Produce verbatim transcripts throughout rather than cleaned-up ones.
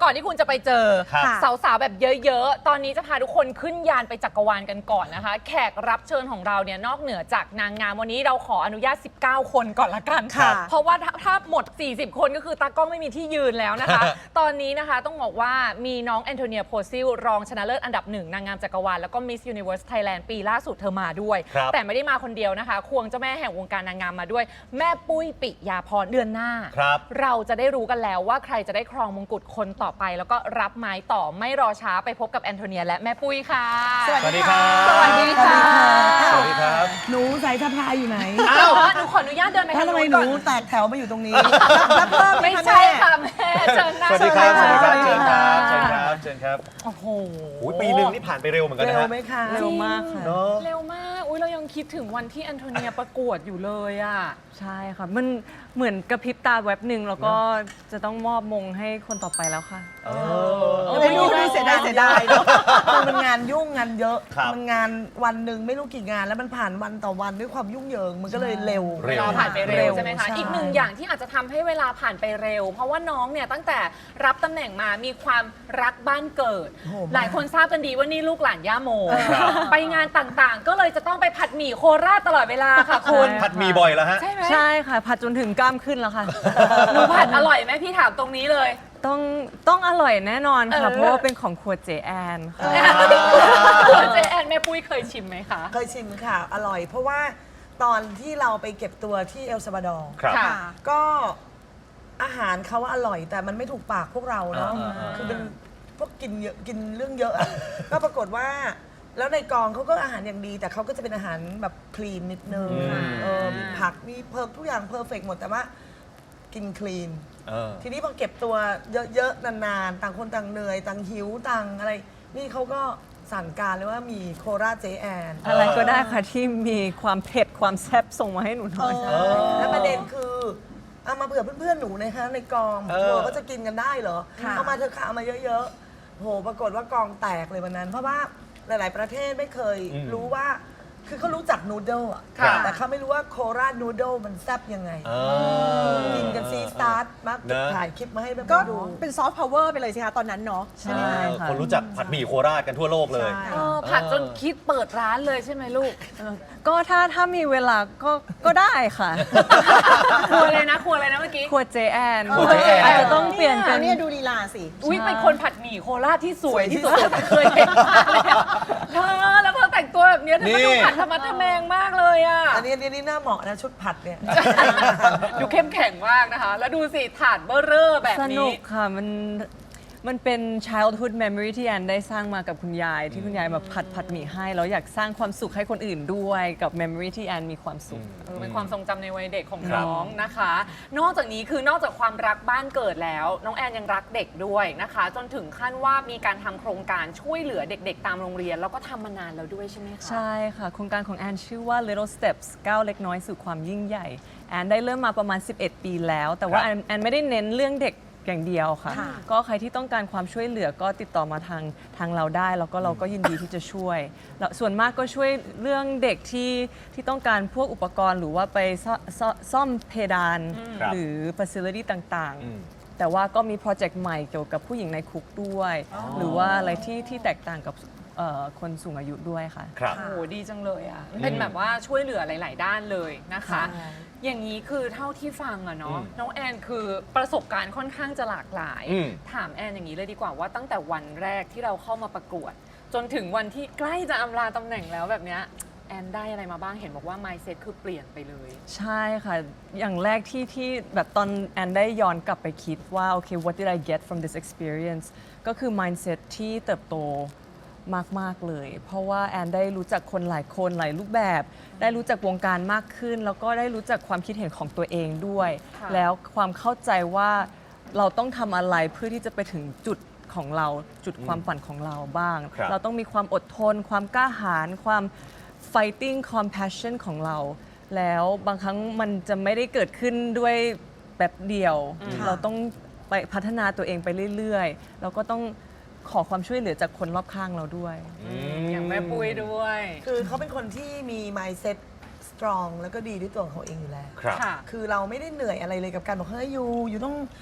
ก่อนที่คุณจะไปเจอครับสาวๆแบบเยอะๆตอนนี้จะพาทุกคนขึ้นยานไปจักรวาลกันก่อนนะคะแขกรับเชิญของเราเนี่ยนอกเหนือจากนางงามวันนี้เราขออนุญาตสิบเก้าคนก่อนละกันค่ะเพราะว่าถ้าถ้าหมดสี่สิบคนก็คือตากล้องไม่มีที่ยืนแล้วนะคะ ตอนนี้นะคะต้องบอกว่ามีน้องแอนโทเนียโพซิลรองชนะเลิศอันดับหนึ่งนางงามจักรวาลแล้วก็ Miss Universe Thailand ปีล่าสุดเธอมาด้วยครับแต่ไม่ได้มาคนเดียวนะคะควงเจ้าแม่แห่งวงการนางงามมาด้วย แม่ปุ้ยปิยาพรเดือนหน้าครับเราจะได้รู้กันแล้วว่าใครจะได้ครองมงกุฎคนต่อไป แล้วก็รับไม้ต่อไม่รอช้าไปพบกับแอนโทเนียและแม่ปุ้ยค่ะสวัสดีครับสวัสดีค่ะสวัสดีครับหนูสายสะพายอยู่ไหนอ้าวหนูขออนุญาตเดินไปถ้าทางทำไมนู้นหก่นูอนแตกแถวมาอยู่ตรงนี้รับเพิ่มหไม่คะใช่แม่ค่ะแม่เชิญนะสวัสดีครับ สวัสดีครับสวัเชิสญดีคครัรับ บ เชิญครับ เชิญครับโอ้โหโอ้ยปีหนึ่งนี่ผ่านไปเร็วเหมือนกันนะเร็วฮะไหมคะเร็วมากค่ะเนาะเร็วมากอุ้ยเรายังคิดถึงวันที่แอนโทเนียประกวดอยู่เลยอ่ะใช่ค่ะ มันเหมือนกระพริบตาแวบหนึ่งแล้วก็จะต้องมอบมงให้คนต่อไปแล้วค่ะเอเอออไม่รู้ดูเสียดายเสียดายเนอะคือมันงานยุ่งงานเยอะครับมันงานวันหนึ่งไม่รู้กี่งานแล้วมันผ่านวันต่อวันด้วยความยุ่งเหยิงมันก็เลยเร็วเร็เววลาผ่านไปเร็วใช่ไหมคะใช่อีกหนึ่งอย่างที่อาจจะทำให้เวลาผ่านไปเร็ว เพราะว่าน้องเนี่ยตั้งแต่รับตำแหน่งมามีความรักบ้านเกิดโอ้โหหลายคนทราบกันดีว่านี่ลูกหลานย่าโมครับไปงานต่างๆ ก็เลยจะต้องไปผัดหมี่โคราชตลอดเวลาค่ะคุณใช่ผัดหมีบ่อยแล้วฮะใช่ไหมใช่ค่ะ ผัดจนถึงกล้ามขึ้นแล้วค่ะหนูผัดอร่อยไหมพี่ถามตรงนี้เลยต้องต้องอร่อยแน่นอนเอค่ะอเพราะว่าเป็นของครัวเจแอนค่ะเจแอนแม่ปุ้ยเคยชิมไหมคะเคยชิมค่ะ อร่อย เพราะว่าตอนที่เราไปเก็บตัวที่เอลซาบาดอร์ครับค่ะก็อาหารเขาว่าอร่อยแต่มันไม่ถูกปากพวกเราเนาะอ่าอ่าอ่าคือเป็นพวกกินเยอะกินเรื่องเยอะอะ ก็ปรากฏว่า แล้วในกองเขาก็อาหารอย่างดี แต่เขาก็จะเป็นอาหารแบบคลีนนิดนึงอืมเออมีผักมีเพิร์ทุกอย่างเพอร์เฟกหมดแต่ว่ากินคลีนเออทีนี้พอเก็บตัวเยอะๆนานๆต่างคนต่างเหนื่อยต่างหิวต่างอะไร นี่เขาก็สั่งการเลยว่ามีโคราชเจแอนอะไรก็ได้ค่ะที่มีความเผ็ดความแซ่บส่งมาให้หนูหน่อยใช่แล้วประเด็นคือเอามาเผื่อเพื่อนๆหนูนะคะในกองเออเธอก็จะกินกันได้เหรอเอามาเธอะค่ะเอามาเยอะๆโหปรากฏว่ากองแตกเลยวันนั้น เพราะว่าหลายๆประเทศไม่เคยอืมรู้ว่า คือเขารู้จักนูดเดิลอะครับแต่เขาไม่รู้ว่าโคราชนูดเดิลมันแซ่บยังไงเออกินกันซีสตาร์ทมักนะถ่ายคลิปมาให้แบบก็ดูเป็นซอฟต์พาวเวอร์ไปเลยสิคะตอนนั้นเนาะใช่ค่ะคนรู้จักผัดหมี่โคราชกันทั่วโลกเลยใช่เออผัดจนคิดเปิดร้านเลยใช่ไหมลูกก็ถ้าถ้ามีเวลาก็ก็ได้ค่ะครัวเลยนะครัวเลยนะเมื่อกี้ครัวเจแอนครัวเจแอนอาจจะต้องเปลี่ยนเป็นเนี่ยดูลีลาสิอุ้ยเป็นคนผัดหมี่โคราชที่สวยที่สุดที่เคยเห็นมากเลยอะเธอแล้วเธอแต่งตัวแบบเนี้ยเธอก็ดูผัดธรรมะทะแมงมากเลยอ่ะอันนี้อันนี้นี่น่าเหมาะนะชุดผัดเนี่ยดูเข้มแข็งมากนะคะ แล้วดูสิถาดเบอร์เรอร์แบบสนุนี้กค่ะ มันมันเป็น childhood memory ที่แอนได้สร้างมากับคุณยาย ที่คุณยายแบบผัดผัดหมี่ให้แล้วอยากสร้างความสุขให้คนอื่นด้วยกับ memory ที่แอนมีความสุขเออเป็นความทรงจำในวัยเด็กของครับน้องนะคะ นอกจากนี้คือนอกจากความรักบ้านเกิดแล้ว น้องแอนยังรักเด็กด้วยนะคะ จนถึงขั้นว่ามีการทำโครงการช่วยเหลือเด็กๆ ตามโรงเรียน แล้วก็ทำมานานแล้วด้วยใช่ไหมคะใช่ค่ะ โครงการของแอนชื่อว่า Little Steps ก้าวเล็กน้อยสู่ความยิ่งใหญ่ แอนได้เริ่มมาประมาณ สิบเอ็ด ปีแล้ว แต่ว่าครับแอนแอนไม่ได้เน้นเรื่องเด็กอย่างเดียวค่ะค่ะก็ใครที่ต้องการความช่วยเหลือก็ติดต่อมาทางทางเราได้ แล้วก็เราก็ยินดีที่จะช่วยแล้วส่วนมากก็ช่วยเรื่องเด็กที่ที่ต้องการพวกอุปกรณ์ หรือว่าไปซ่อซ่อซ่อมเพดานครับหรือ facility ต่างอืมๆ แต่ว่าก็มีโปรเจกต์ใหม่เกี่ยวกับผู้หญิงในคุกด้วย หรือว่าอะไรที่ที่แตกต่างกับเอ่อคนสูงอายุด้วยค่ะครับโอ้โหดีจังเลยอ่ะ เป็นแบบว่าช่วยเหลือหลาย ๆ ด้านเลยนะคะใช่อย่างนี้คือเท่าที่ฟังอะเนาะอืมน้องแอนคือประสบการณ์ค่อนข้างจะหลากหลายอืมถามแอนอย่างนี้เลยดีกว่าว่าตั้งแต่วันแรกที่เราเข้ามาประกวด จนถึงวันที่ใกล้จะอำลาตำแหน่งแล้วแบบเนี้ยแอนได้อะไรมาบ้างเห็นบอกว่า mindset คือเปลี่ยนไปเลยใช่ค่ะ อย่างแรกที่ที่แบบตอนแอนได้ย้อนกลับไปคิดว่า โอเค what did I get from this experience ก็คือ mindset ที่เติบโตมาก ๆ เลย เพราะว่าแอนได้รู้จักคนหลายคนหลายรูปแบบ ได้รู้จักวงการมากขึ้น แล้วก็ได้รู้จักความคิดเห็นของตัวเองด้วยค่ะแล้วความเข้าใจว่าเราต้องทำอะไรเพื่อที่จะไปถึงจุดของเราจุดความฝันของเราบ้างครับเราต้องมีความอดทน ความกล้าหาญความ fighting compassion ของเรา แล้วบางครั้งมันจะไม่ได้เกิดขึ้นด้วยแบบเดียว เราต้องไปพัฒนาตัวเองไปเรื่อยๆ แล้วก็ต้องขอความช่วยเหลือจากคนรอบข้างเราด้วยอย่างแม่ปุ้ยด้วยคือเขาเป็นคนที่มี mindset strong แล้วก็ดีด้วยตัวของเขาเองอยู่แล้วครับค่ะคือเราไม่ได้เหนื่อยอะไรเลยกับการบอกเฮ้ยยูยูต้อง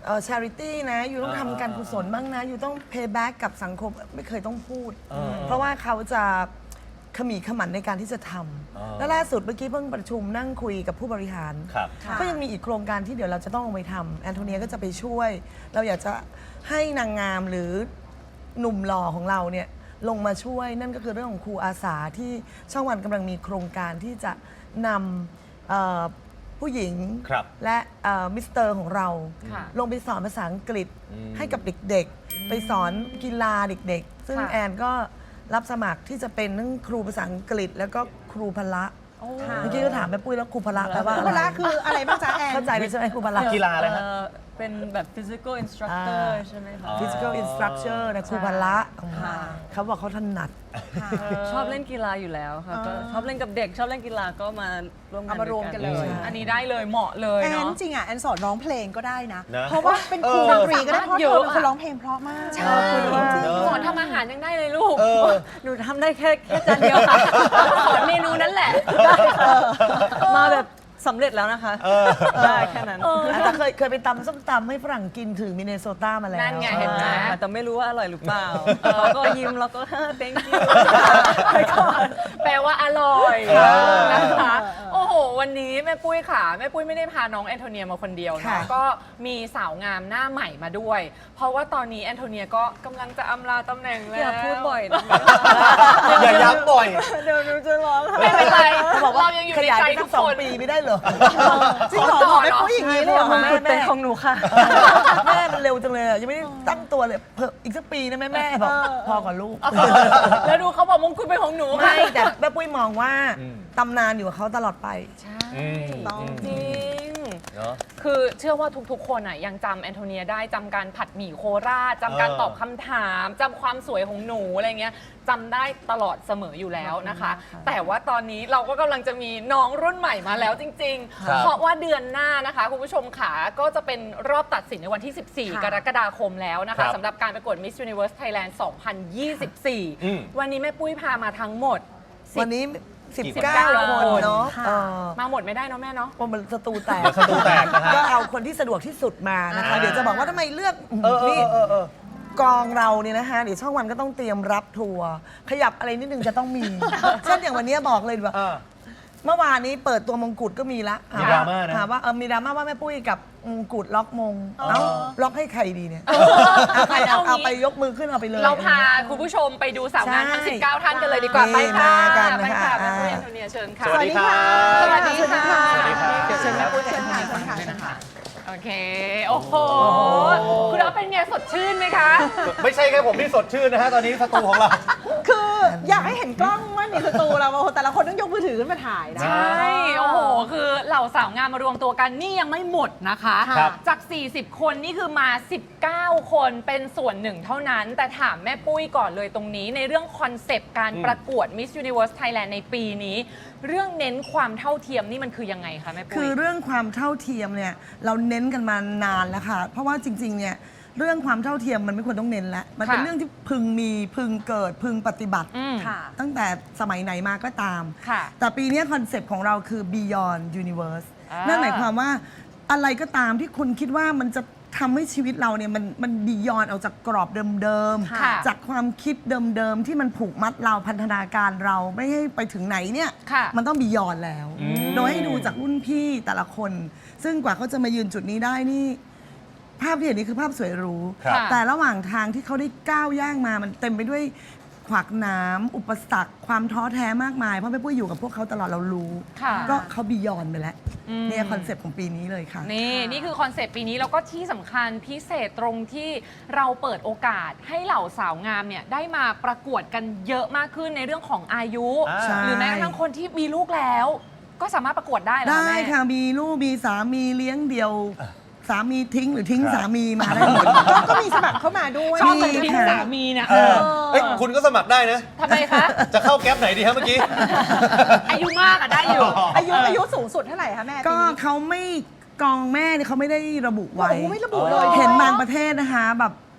เอ่อ charity นะอยู่ต้องทำการกุศลบ้างนะอยู่ต้อง pay back กับสังคมไม่เคยต้องพูดเออเพราะว่าเขาจะขมีขมันในการที่จะทอ๋อำแล้วล่าสุดเมื่อกี้เพิ่งประชุมนั่งคุยกับผู้บริหารครับค่ะก็ยังมีอีกโครงการที่เดี๋ยวเราจะต้องลงไปทำแอนโทเนียก็จะไปช่วย เราอยากจะให้นางงามหรือหนุ่มหล่อของเราเนี่ยลงมาช่วยนั่นก็คือเรื่องของครูอาสาที่ช่องวันกำลังมีโครงการที่จะนำเอ่อผู้หญิงครับและเอ่อมิสเตอร์ของเราค่ะลงไปสอนภาษาอังกฤษอืมให้กับเด็กๆ ไปสอนกีฬาเด็กๆ ซึ่งค่ะแอนก็รับสมัครที่จะเป็นทั้งครูภาษาอังกฤษ แล้วก็ครูพละค่ะเมื่อกี้ก็ถามแม่ปุ้ยแล้วครูพละแปลว่าครูอะไรพละคืออะไรบ้างจ๊ะแอนเข้าใจเลยใช่ไหมครูพละกีฬาอะไรฮะเอ่อเป็นแบบ physical instructor อ่าใช่ไหมคะ physical instructor นะครูพละค่ะเขาบอกเขาถนัดค่ะชอบเล่นกีฬาอยู่แล้วค่ะก็ชอบเล่นกับเด็ก ชอบเล่นกีฬาก็มาร่วมงานเอามารวมกันเลยด้วยอันนี้ได้เลยเหมาะเลยแอนเนาะจริงอ่ะแอนสอนร้องเพลงก็ได้นะนะเพราะว่าเป็นครูเออดนตรีก็ได้เพราะเยเธอะอเป็นคนร้องเพลงเพราะมากใช่เนอะสอนทำอาหารยังได้เลยลูกเออหนูทำได้แค่แค่จานเดียวค่ะสอนเมนูนั้นแหละมาแบบสำเร็จแล้วนะคะเออได้แค่นั้นแต่เคยเคยไปตำส้มตำให้ฝรั่งกินถึงมินเนโซตามาแล้วนั่นไงเห็นไหมค่ะแต่ไม่รู้ว่าอร่อยหรือเปล่าเขาก็ยิ้มแล้วก็ thank you ไปก่อนแปลว่าอร่อยเออนะคะ โอ้โห วันนี้แม่ปุ้ยค่ะ แม่ปุ้ยไม่ได้พาน้องแอนโทเนียมาคนเดียวค่ะนะก็มีสาวงามหน้าใหม่มาด้วย เพราะว่าตอนนี้แอนโทเนียก็กำลังจะอำลาตำแหน่งแล้วอย่าพูดบ่อยนะอย่าย้ำบ่อยเดี๋ยวหนูจะร้องไม่เป็นไรเขาบอกว่าเรายังอยู่ขในยายใจไปทุสักกสองคนปีไม่ได้เหรอจริงเหรอบอกไม่พูดอย่างนี้เลยเหรอมงคะกุฎเป็นของหนูค่ะแม่มันเร็วจังเลยอะยังไม่ได้ตั้งตัวเลยเพิ่มอีกสักปีนะแม่แม่บอกพอก่อนลูกแล้วดูเขาบอกมงกุฎเป็นของหนูค่ะไม่แต่แม่ปุ้ยมองว่าอืมตำนานอยู่กับเขาตลอดไปอืมต้องจริงเนาะคือเชื่อว่าทุกๆ คนอ่ะยังจำแอนโทเนียได้จำการผัดหมี่โคราชจำการเออตอบคำถามจำความสวยของหนูอะไรเงี้ยจำได้ตลอดเสมออยู่แล้วนะคะ แต่ว่าตอนนี้เราก็กำลังจะมีน้องรุ่นใหม่มาแล้วจริงครับๆ เพราะว่าเดือนหน้านะคะคุณผู้ชมค่ะก็จะเป็นรอบตัดสินในวันที่ สิบสี่ค่ะกรกฎาคมแล้วนะครัคะบสำหรับการประกวด Miss Universe Thailand สองพันยี่สิบสี่อืมวันนี้แม่ปุ้ยพามาทั้งหมดสิบวันนี้กี่สิบเก้าคนคนเนาะค่ะเออมาหมดไม่ได้เนาะแม่เนาะว่ามันสตูแตกเดี๋ยวสตูแตกนะฮะก็เอาคนที่สะดวกที่สุดมานะคะอ่าเดี๋ยวจะบอกว่าทำไมเลือกเออเอนี่อเออเออกองเราเนี่ยนะคะเดี๋ยวช่องวันก็ต้องเตรียมรับทัวร์ขยับอะไรนิดนึงจะต้องมี เช่นอย่างวันนี้บอกเลยว่าอ่าเมื่อวานนี้เปิดตัวมงกุฎก็มีละมีดราม่านะถามว่าเออมีดราม่าว่าแม่ปุ้ยกับมงกุฎล็อกมงอ๋อเอ้าล็อกให้ใครดีเนี่ยเอาใครเอาเอางี้เอาไปยกมือขึ้นเอาไปเลยเราพาคุณผู้ชมไปดูสาวงานทั้งใช่สิบเก้า ท่านกันเลยดีกว่านี่ไปค่ะมากันไปนะคะค่ะแม่ปุ้ยอ่าแอนโทเนียเชิญค่ะสวัสดีค่ะสวัสดีค่ะสวัสดีครับเดี๋ยวเชิญแม่ปุ้ยเชิเชิญญค่ะค่ะเชิญค่ะโอเค โอ้โห คุณอ๊อฟเป็นไงสดชื่นไหมคะไม่ใช่แค่ผมที่สดชื่นนะฮะตอนนี้สตูของเราคืออยากให้เห็นกล้องว่านี่คือตูเราโอ้โหแต่ละคนต้องยกมือถือขึ้นมาถ่ายนะใช่ โอ้โห คือเหล่าสาวงามมารวมตัวกันนี่ยังไม่หมดนะคะครับจาก สี่สิบ คนนี่คือมา สิบเก้า คนเป็นส่วนหนึ่งเท่านั้น แต่ถามแม่ปุ้ยก่อนเลยตรงนี้ ในเรื่องคอนเซปต์การอืมประกวด Miss Universe Thailand ในปีนี้ เรื่องเน้นความเท่าเทียมนี่มันคือยังไงคะแม่ปุ้คืยอเรื่องความเท่าเทียมเนี่ยเราเน้นกันมานานแล้วค่ะ เพราะว่าจริงๆเนี่ยเรื่องความเท่าเทียมมันไม่ควรต้องเน้นแล้วมันเป็นค่ะเรื่องที่พึงมีพึงเกิดพึงปฏิบัติอืมค่ะตั้งแต่สมัยไหนมาก็ตามค่ะแต่ปีนี้คอนเซปต์ของเราคือ Beyond Universe อ่านั่นั่นหมายความว่าอะไรก็ตามที่คุณคิดว่ามันจะทำให้ชีวิตเราเนี่ยมันมันบียอนออกจากกรอบเดิมค่ะๆ จากความคิดเดิมๆ ที่มันผูกมัดเราพันธนาการเราไม่ให้ไปถึงไหนเนี่ยค่ะมันต้องบียอนแล้วอืมโดยให้ดูจากรุ่นพี่แต่ละคน ซึ่งกว่าเขาจะมายืนจุดนี้ได้นี่ ภาพที่เห็นนี่คือภาพสวยหรูครับแต่ระหว่างทางที่เขาได้ก้าวย่างมามันเต็มไปด้วยขวากหน้ำอุปสรรค ความท้อแท้มากมาย เพราะแม่ปุ้ยอยู่กับพวกเขาตลอดเรารู้ค่ะก็เขาบียอนไปแล้วอืมเนี่ยคอนเซปต์ของปีนี้เลยค่ะนี่ นี่คือคอนเซปต์ปีนี้แล้วก็ที่สำคัญพิเศษตรงที่เราเปิดโอกาสให้เหล่าสาวงามเนี่ยได้มาประกวดกันเยอะมากขึ้นในเรื่องของอายุอ่าใช่หรือแม้กระทั่งคนที่มีลูกแล้ว ก็สามารถประกวดได้เหรอได้แม่ค่ะ มีลูกมีสามีเลี้ยงเดี่ยว สามีทิ้งหรือทิ้งครับสามีมาได้หมดก็ก็มีสมัครเข้ามาด้วยชอบมีคนทิ้งค่ะสามีเนี่ยเออเอ้ยคุณก็สมัครได้นะทำไมคะจะเข้าแก๊ปไหนดีฮะเมื่อกี้อายุมากอะได้อยู่อายุอายุสูงสุดเท่าไหร่คะแม่ปีก็นี้เขาไม่กองแม่เนี่ยเขาไม่ได้ระบุไว้โอ้โหไม่ระบุเลยเห็นบางประเทศนะคะแบบ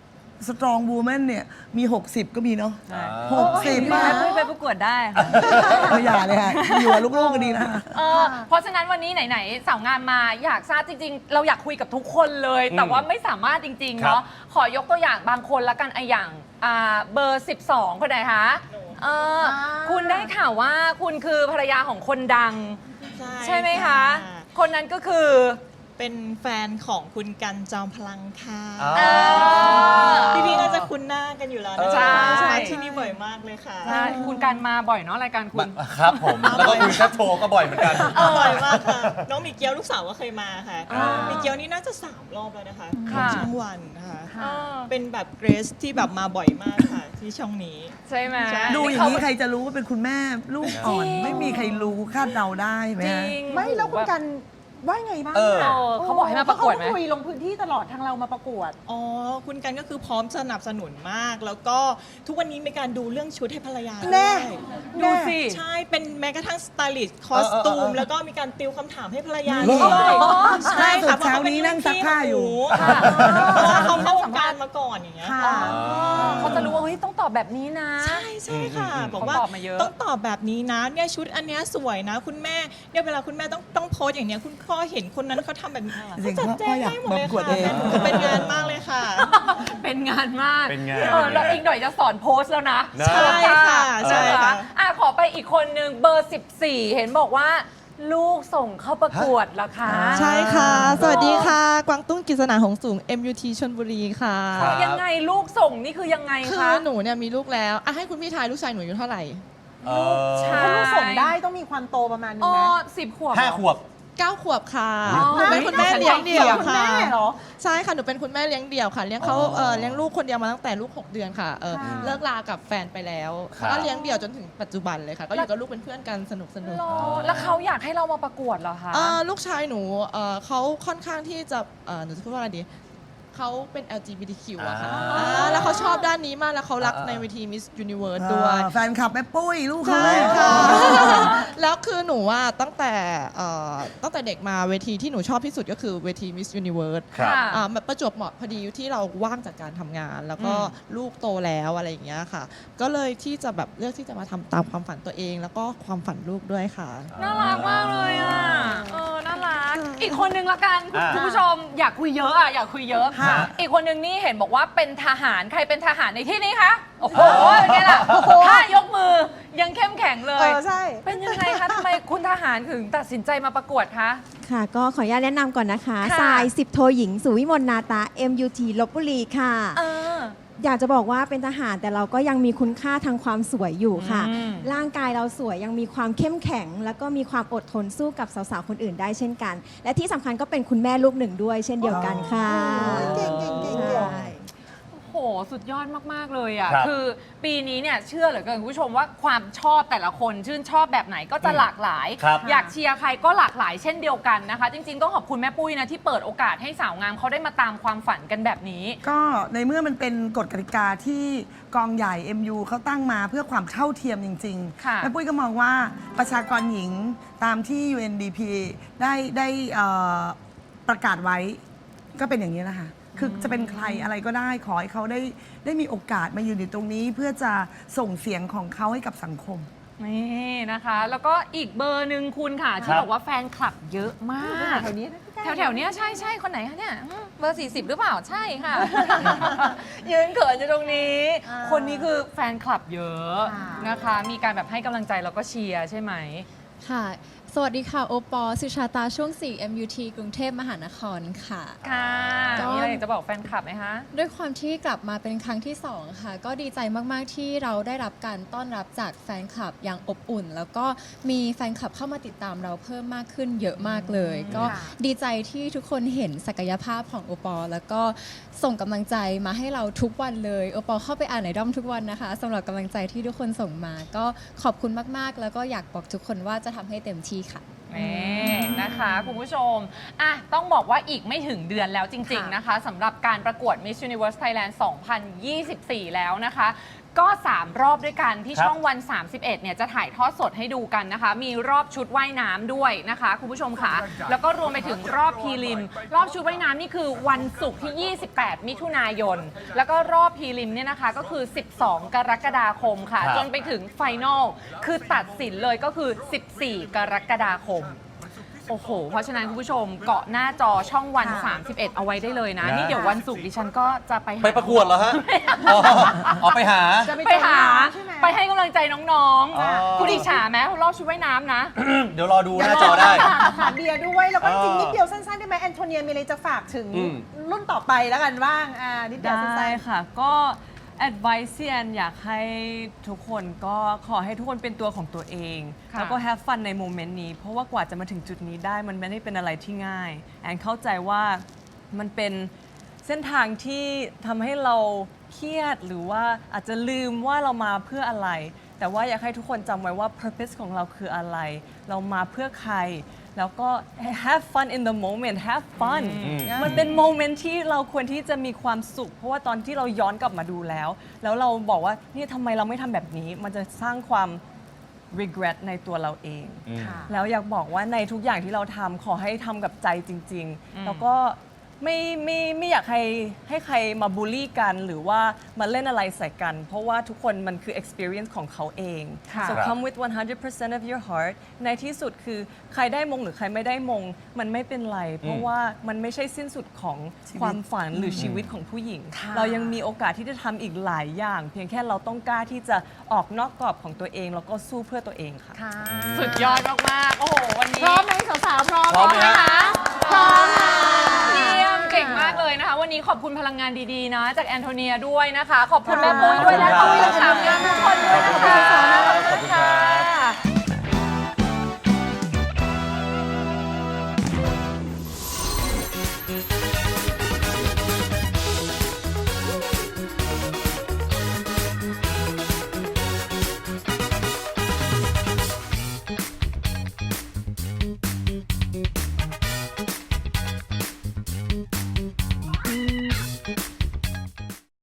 strong woman เนี่ยมี หกสิบ ก็มีเนาะใช่หกสิบมามาคุยไปประกวดได้ค่ะก็อย่าเลยค่ะอยู่กับลูกๆก็ดีนะเออเพราะฉะนั้นวันนี้ไหนๆสาวงามมาอยากทราบจริงๆ เราอยากคุยกับทุกคนเลย แต่ว่าไม่สามารถจริงๆครับเนาะขอยกตัวอย่างบางคนละกันไอะอย่างอ่าเบอร์ สิบสอง คนไหนคะเออคุณได้ข่าวว่าคุณคือภรรยาของคนดัง ใช่ไหมคะ คนนั้นก็คือเป็นแฟนของคุณกันจอมพลังค่ะอ๋อเออพี่พี่ๆน่าจะคุ้นหน้ากันอยู่แล้วนะใช่คะมาที่นี่บ่อยมากเลยค่ะใช่คุณการมาบ่อยเนาะรายการคุณครับผม แล้วก็คุยแชทโทรก็บ่อยเหมือนกันบ่อยมากค่ะ น้องมีเกียวลูกสาวก็เคยมาค่ะอ่ามีมีเกียวนี่น่าจะสามรอบแล้วนะคะค่ะช่องวันนะคะเออเป็นแบบเกรซที่แบบมาบ่อยมากค่ะ ที่ช่องนี้ใช่ไหมใช่ดูอย่างนี้ใครจะรู้ว่าเป็นคุณแม่ลูกอ่อนจริงไม่มีใครรู้คาดเดาได้ไหมจฮะริงไม่แล้วคุณกันว่าไงบ้างเออเออเขาบอกให้มาประกวดไหมเขาคุยลงพื้นที่ตลอดทางเรามาประกวดอ๋อ คุณกันก็คือพร้อมสนับสนุนมาก แล้วก็ทุกวันนี้มีการดูเรื่องชุดให้ภรรยาแน่ด้วยดูสิใช่ เป็นแม้กระทั่งสไตลิสต์คอสตูเออเออมเออแล้วก็มีการติวคำถามให้ภรรยาเหรอด้วยใช่ล่าสุดค่ะเช้านี้นั่งซักผ้าอยู่ค่ะเพราะว่าเขาเข้าวงการมาก่อนอย่างเงี้ยค่ะเขาจะรู้ว่าเฮ้ยต้องตอบแบบนี้นะใช่ใช่ค่ะอืมบอกว่าเขาตอบมาเยอะต้องตอบแบบนี้นะเนี่ยชุดอันเนี้ยสวยนะ คุณแม่เนี่ยเวลาคุณแม่ต้องต้องโพสอย่างเนี้ยคุณพ่อเห็นคนนั้นเขาทำแบบนี้จริงๆเขาจัดแจงพ่ออยากให้หมดเลยประกวดค่ะเองคือเป็นงานมากเลยค่ะเป็นงานมากเป็นงานเออแล้วอีกหน่อยจะสอนโพสต์แล้วนะนะใช่ค่ะใช่ค่ะอ่ะขอไปอีกคนนึงเบอร์ สิบสี่ เห็นบอกว่า ลูกส่งเข้าประกวดเหรอคะใช่ค่ะ สวัสดีค่ะ กวางตุ้งกฤษณาหงส์สูง เอ็ม ยู ที ชลบุรีค่ะครับยังไงลูกส่งนี่คือยังไงคือคะหนูเนี่ยมีลูกแล้วอ่ะให้คุณพี่ทายลูกชายหนูอายุเท่าไหร่เออใช่ถ้าลูกส่งได้ต้องมีความโตประมาณนึอ๋งอนะสิบขวบห้าขวบเก้า ขวบค่ะอ๋อหนูเป็นคุณแม่เลี้ยงเดี่ยวคุณค่ะแม่เหรอใช่ค่ะ หนูเป็นคุณแม่เลี้ยงเดี่ยวค่ะ เลี้ยงเขาอ๋อเอ่อเลี้ยงลูกคนเดียวมาตั้งแต่ลูก หก เดือนค่ะเออค่ะเลิกลากับแฟนไปแล้วครับก็เลี้ยงเดี่ยวจนถึงปัจจุบันเลยค่ะ ก็อยู่กับลูกเป็นเพื่อนกันสนุกสนุกหรอแล้วเขาอยากให้เรามาประกวดเหรอคะเอ่อลูกชายหนูเอ่อเขาค่อนข้างที่จะเอ่อหนูจะพูดว่าอะไรดีเขาเป็น แอล จี บี ที คิว อะค่ะอ่าอ่าแล้วเขาชอบด้านนี้มากแล้วเขารักอ่าในเวที Miss Universe ด้วยอ่าแฟนคลับแม่ปุ้ยลูกเขาใช่ค่ะ แล้วคือหนูว่าตั้งแต่เอ่อตั้งแต่เด็กมาเวทีที่หนูชอบที่สุดก็คือเวที Miss Universe ครับค่ะอ่ามันประจวบเหมาะพอดีที่เราว่างจากการทำงาน แล้วก็อืมลูกโตแล้วอะไรอย่างเงี้ยค่ะ ก็เลยที่จะแบบเลือกที่จะมาทำตามความฝันตัวเอง แล้วก็ความฝันลูกด้วยค่ะน่ารักมากเลยอ่ะ เออ น่ารัก อีกคนนึงละกันอ่าคุณผู้ชมอยากคุยเยอะอ่ะ อยากคุยเยอะ อีกคนนึงนี่เห็นบอกว่าเป็นทหาร ใครเป็นทหารในที่นี้คะ โอ้โหเป็นไงล่ะถ้ายกมือยังเข้มแข็งเลเอย อ ใช่เป็นยังไงคะทำไมคุณทหารถึงตัดสินใจมาประกวดคะค่ะ ก็ขออนุญาตแนะนำก่อนนะคะค่ะสายสิบโทหญิง สุวิมลนาตา เอ็ม ยู ที ลพบุรีค่ะเอออยากจะบอกว่าเป็นทหารแต่เราก็ยังมีคุณค่าทางความสวยอยู่ค่ะอืมร่างกายเราสวยยังมีความเข้มแข็ง แล้วก็มีความอดทนสู้กับสาวๆ คนอื่นได้เช่นกัน และที่สำคัญก็เป็นคุณแม่ลูกหนึ่งด้วยเช่นเดียวกันค่ะเก่งเก่งเก่งใช่โห สุดยอดมาก ๆ เลยอ่ะครับคือปีนี้เนี่ยเชื่อเหลือเกินคุณผู้ชมว่าความชอบแต่ละคนชื่นชอบแบบไหนก็จะหลากหลายครับอยากเชียร์ใครก็หลากหลายเช่นเดียวกันนะคะ จริง ๆ ต้องขอบคุณแม่ปุ้ยนะที่เปิดโอกาสให้สาวงามเขาได้มาตามความฝันกันแบบนี้ก็ในเมื่อมันเป็นกฎกติกาที่กองใหญ่ เอ็ม ยู เขาตั้งมาเพื่อความเท่าเทียมจริงค่ะๆแม่ปุ้ยก็มองว่าประชากรหญิงตามที่ ยู เอ็น ดี พี ได้ได้เอ่อประกาศไว้ก็เป็นอย่างนี้แหละค่ะ คือจะเป็นใครอะไรก็ได้ขอให้เขาได้ได้มีโอกาสมายืนอยู่ตรงนี้ เพื่อจะส่งเสียงของเขาให้กับสังคมนี่นะคะ แล้วก็อีกเบอร์หนึ่งคุณค่ะ ที่ครับบอกว่าแฟนคลับเยอะมากแถวนี้นะพี่แถวๆเนี้ยใช่ใช่คนไหนคะเนี่ยอืมเบอร์ สี่สิบ หรือเปล่าใช่ค่ะ ยืนเขินอยู่ตรงนี้อ่าคนนี้คือแฟนคลับเยอะค่ะนะคะ มีการแบบให้กำลังใจแล้วก็เชียร์ใช่ไหมค่ะ สวัสดีค่ะ โอปอล์สุชาตาช่วง สี่ เอ็ม ยู ที กรุงเทพมหานครค่ะค่ะก็มีอะไรอยากจะบอกแฟนคลับไหมคะด้วยความที่กลับมาเป็นครั้งที่สองค่ะ ก็ดีใจมาก ๆ ที่เราได้รับการต้อนรับจากแฟนคลับอย่างอบอุ่น แล้วก็มีแฟนคลับเข้ามาติดตามเราเพิ่มมากขึ้นเยอะมากเลย ก็ค่ะดีใจที่ทุกคนเห็นศักยภาพของโอปอล์แล้วก็ส่งกำลังใจมาให้เราทุกวันเลยโอปอล์เข้าไปอ่านในด้อมทุกวันนะคะสำหรับกำลังใจที่ทุกคนส่งมา ก็ขอบคุณมาก ๆ แล้วก็อยากบอกทุกคนว่าจะทำให้เต็มที่ค่ะนี่นะคะคุณผู้ชมอ่ะต้องบอกว่าอีกไม่ถึงเดือนแล้วจริง ๆ นะคะสำหรับการประกวด Miss Universe Thailand สองพันยี่สิบสี่ แล้วนะคะก็สามรอบด้วยกันที่ครับช่องวัน สามสิบเอ็ดเนี่ยจะถ่ายทอดสดให้ดูกันนะคะ มีรอบชุดว่ายน้ำด้วยนะคะคุณผู้ชมค่ะแล้วก็รวมไปถึงรอบพรีลิมรอบชุดว่ายน้ำนี่คือวันศุกร์ที่ ยี่สิบแปด มิถุนายน แล้วก็รอบพรีลิมเนี่ยนะคะก็คือ สิบสอง กรกฎาคมค่ะครับจนไปถึงไฟนอลคือตัดสินเลยก็คือ สิบสี่ กรกฎาคม โอ้โห เพราะฉะนั้นคุณผู้ชมเกาะหน้าจอช่องวัน สามสิบเอ็ด เอาไว้ได้เลยนะนะนี่เดี๋ยววันศุกร์ดิฉันก็จะไปหาไปประกวดเหรอฮะอ๋ออ๋อไปหาจะไปไปหาใช่ไหมไปให้กำลังใจน้องอ๋อๆ คุณอิจฉาไหมรอบชุดว่ายน้ำนะเดี๋ยวรอดูหน้าจอได้ถามเบียร์ด้วยแล้วก็อ๋อจริงนิดเดียวสั้นๆได้ไหมแอนโทเนียมีอะไรจะฝากถึงอืมรุ่นต่อไปแล้วกันบ้างอ่านิดเดียวสั้ได้นค่ะ ก็ advice ที่แอนอยากให้ทุกคนก็ขอให้ทุกคนเป็นตัวของตัวเองค่ะแล้วก็ have fun ในโมเมนต์นี้ เพราะว่ากว่าจะมาถึงจุดนี้ได้มันไม่ได้เป็นอะไรที่ง่าย แอนเข้าใจว่ามันเป็นเส้นทางที่ทำให้เราเครียดหรือว่าอาจจะลืมว่าเรามาเพื่ออะไร แต่ว่าอยากให้ทุกคนจำไว้ว่า purpose ของเราคืออะไร เรามาเพื่อใคร แล้วก็ have fun in the moment have fun มันเป็นโมเมนต์ที่เราควรที่จะมีความสุข เพราะว่าตอนที่เราย้อนกลับมาดูแล้ว แล้วเราบอกว่านี่ทำไมเราไม่ทำแบบนี้ มันจะสร้างความ regret ในตัวเราเองอืมแล้วอยากบอกว่าในทุกอย่างที่เราทำขอให้ทำกับใจจริง ๆ แล้วก็ไม่ไม่ไม่อยากให้ให้ใครมาบูลลี่กันหรือว่ามาเล่นอะไรใส่กัน เพราะว่าทุกคนมันคือ experience ของเขาเองค่ะ so come with one hundred percent of your heart ในที่สุดคือใครได้มงหรือใครไม่ได้มง มันไม่เป็นไร เพราะว่ามันไม่ใช่สิ้นสุดของความฝันหรือชีวิตของผู้หญิงค่ะเรายังมีโอกาสที่จะทำอีกหลายอย่าง เพียงแค่เราต้องกล้าที่จะออกนอกกรอบของตัวเองแล้วก็สู้เพื่อตัวเองค่ะค่ะสุดยอดมากๆ โอ้โห วันๆนี้พร้อมไหมสาวๆพร้อมพร้อมไหมฮะพร้อมค่ะเยี่ยมเก่งมากเลยนะคะ วันนี้ขอบคุณพลังงานดีๆ นะ จากแอนโทเนียด้วยนะคะ ขอบคุณแม่ปุ้ยด้วยและขอบคุณสาวงามทุกคนด้วยนะคะขอบคุณครับ